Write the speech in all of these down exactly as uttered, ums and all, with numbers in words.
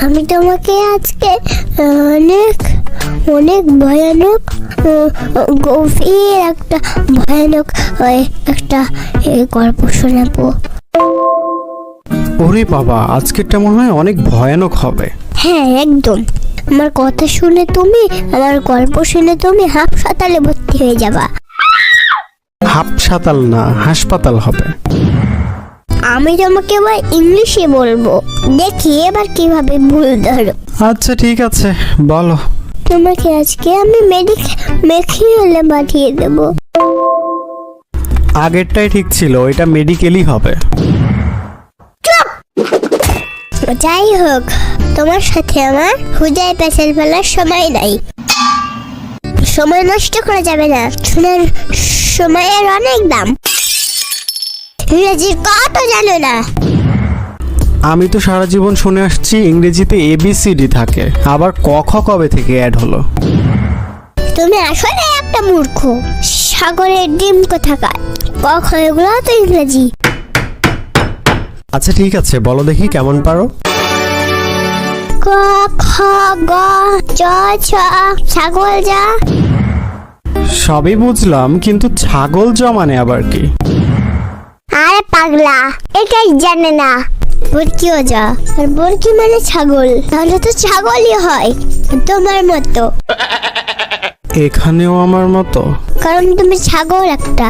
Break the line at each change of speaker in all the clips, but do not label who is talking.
আমি তোমাকে আজকে অনেক অনেক ভয়ানক গভীর একটা ভয়ানক একটা গল্প শোনাবো।
ওরে বাবা, আজকেরটা মনে হয় অনেক ভয়ানক হবে।
হ্যাঁ একদম। আমার কথা শুনে তুমি, আমার গল্প শুনে তুমি হাসপাতালে ভর্তি হয়ে যাবা।
হাসপাতাল না, হাসপাতাল হবে।
আমি তোমাকে এবার ইংলিশে বলবো, দেখি এবার কিভাবে ভুল ধরো।
আচ্ছা ঠিক আছে, বলো।
তোমাকে আজকে আমি মেডিক মেডিকেলে পাঠিয়ে দেব।
আগেরটাই ঠিক ছিল, এটা মেডিকেলই হবে।
যাই হোক, তোমার সাথে আমার হুদায় পেছাল ফেলার সময় নাই। সময় নষ্ট করা যাবে না, শোনার সময়ের অনেক দাম। ইংরেজির কত জানো না?
আমি তো সারা জীবন শুনে আসছি ইংরেজিতে এবিসিডি থাকে, আবার ক খ কবে থেকে অ্যাড হলো?
তুমি আসলে একটা মূর্খ। সাগরের ডিম কোথাকার, ক খ এগুলো তো ইংরেজি।
আচ্ছা ঠিক আছে, বলো দেখি কেমন পারো।
ক খ গ চ ছ ছাগল যা।
সবই বুঝলাম, কিন্তু ছাগল জমানে আবার কি?
আরে পাগলা, এটাই জানে না। বরকিও যা, আর বরকি মানে ছাগল, তাহলে তো ছাগলই হয় তোমার মতো।
এখানেও আমার মতো?
কারণ তুমি ছাগল একটা।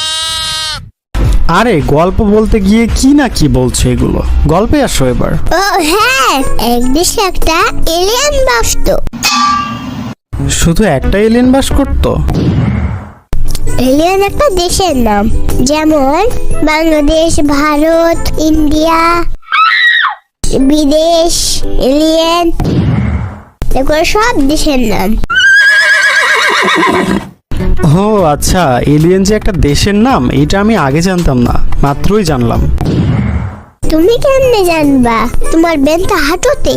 আরে গল্প বলতে গিয়ে কি না কি বলছো এগুলো, গল্পে আসো এবার।
ও হ্যাঁ, এক দেশে একটা এলিয়েন বাসতো।
শুধু একটা এলিয়েন বাস করতো?
এলিয়েন একটা দেশের নাম, যেমন বাংলাদেশ, ভারত, ইন্ডিয়া, বিদেশ, এলিয়েন, এগুলো সব দেশের নাম।
ও আচ্ছা, এলিয়েন যে একটা দেশের নাম এটা আমি আগে জানতাম না, মাত্রই জানলাম।
তুমি কেমনে জানবা? তোমার বেনটা হাঁটুতে।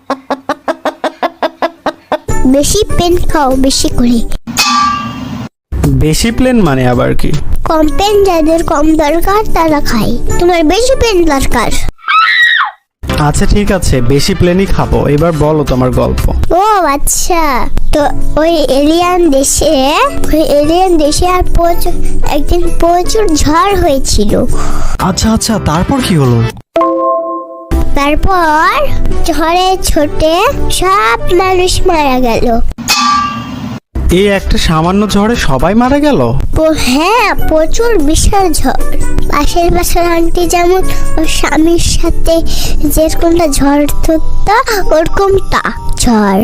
বেশি পেন খাও বেশি করে।
বেশি প্লেন মানে আবার কি?
কম পেন যাদের কম দরকার তারা খায়, তোমার বেশি পেন দরকার।
আচ্ছা ঠিক আছে, বেশি প্লেনই খাবো। এবার বলো তোমার গল্প।
ও আচ্ছা, তো ওই এলিয়ান দেশে ওই এলিয়ান দেশে আর প্রচুর একদিন প্রচুর ঝড় হয়েছিল।
আচ্ছা আচ্ছা, তারপর কি হলো?
তারপর ঝড়ে ছোটে সব মানুষ মারা গেল।
এই একটা সামান্য ঝড়ে সবাই মারা গেল?
হ্যাঁ, প্রচুর বিশাল ঝড়। পাশের পাশের আন্টি যেমন ওর স্বামীর সাথে যেরকমটা ঝড় ধরতো ওরকমটা ঝড়।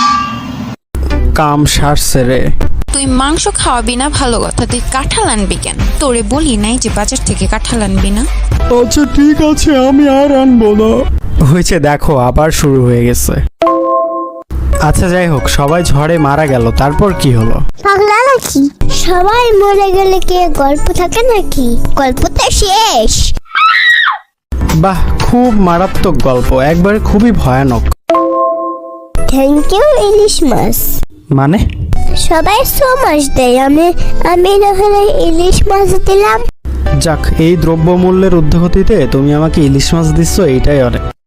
কাম সারছে রে।
তুই মাংস খাওয়াবি না ভালো কথা, তুই কাঁঠাল আনবি কেন? তোরে বলি নাই যে বাজার থেকে কাঁঠাল আনবি না?
আচ্ছা ঠিক আছে, আমি আর আনবো না। হয়েছে, দেখো আবার শুরু হয়ে গেছে। আচ্ছা যাই হোক, সবাই ঝড়ে মারা গেল, তারপর কি হলো?
পাগলা নাকি? সবাই মরে গেলে কি গল্প থাকে নাকি? গল্পটা শেষ।
বাহ, খুব মারাত্মক গল্প, একবারে খুবই ভয়ানক।
থ্যাংক ইউ ইলিশ মাছ।
মানে?
সবাই সো মাছ দেয়, আমি আমি না হলে ইলিশ মাছ দিলাম।
যাক, এই দ্রব্যমূল্যের ঊর্ধ্বগতিতে তুমি আমাকে ইলিশ মাছ দিচ্ছ, এইটাই অনেক।